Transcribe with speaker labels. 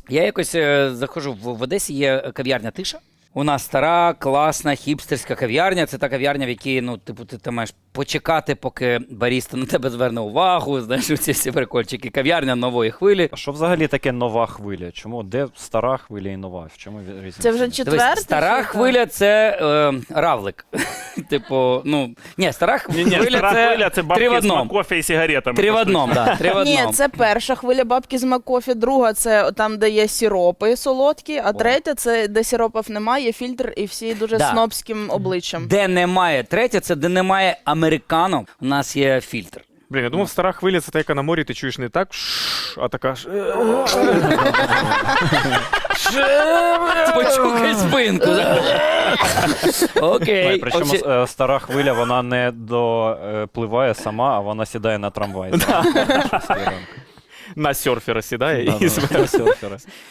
Speaker 1: Я якось заходжу, в Одесі є кав'ярня «Тиша». У нас стара, класна, хіпстерська кав'ярня. Це та кав'ярня, в якій, ну, типу, ти маєш почекати, поки баріста на тебе зверне увагу, знаєш, ці всі прикольчики. Кав'ярня нової хвилі.
Speaker 2: А що взагалі таке нова хвиля? Чому? Де стара хвиля і нова? В чому різниця?
Speaker 3: Це вже
Speaker 1: Дивись,
Speaker 3: четверта?
Speaker 1: стара хвиля – це равлик. Типу, ну, ні, стара хвиля – це
Speaker 4: бабки
Speaker 1: три в
Speaker 4: з
Speaker 1: одному.
Speaker 4: Макофі і сигаретами.
Speaker 1: Три в одному, так, три в
Speaker 3: Ні,
Speaker 1: одному.
Speaker 3: це перша хвиля бабки з Макофі, друга це там, де є сиропи солодкі, а третя це де сиропів немає, є фільтр і всі дуже
Speaker 1: Да.
Speaker 3: снобським обличчям.
Speaker 1: Де немає третя, це де немає американо, у нас є фільтр.
Speaker 5: Блін, я думав, стара хвиля це та, яка на морі ти чуєш не так, а така ж.
Speaker 1: Почухай спинку. Окей.
Speaker 2: Причому стара хвиля, вона не допливає сама, а вона сідає на трамвай.
Speaker 4: На серфера сідає і
Speaker 2: На серфера.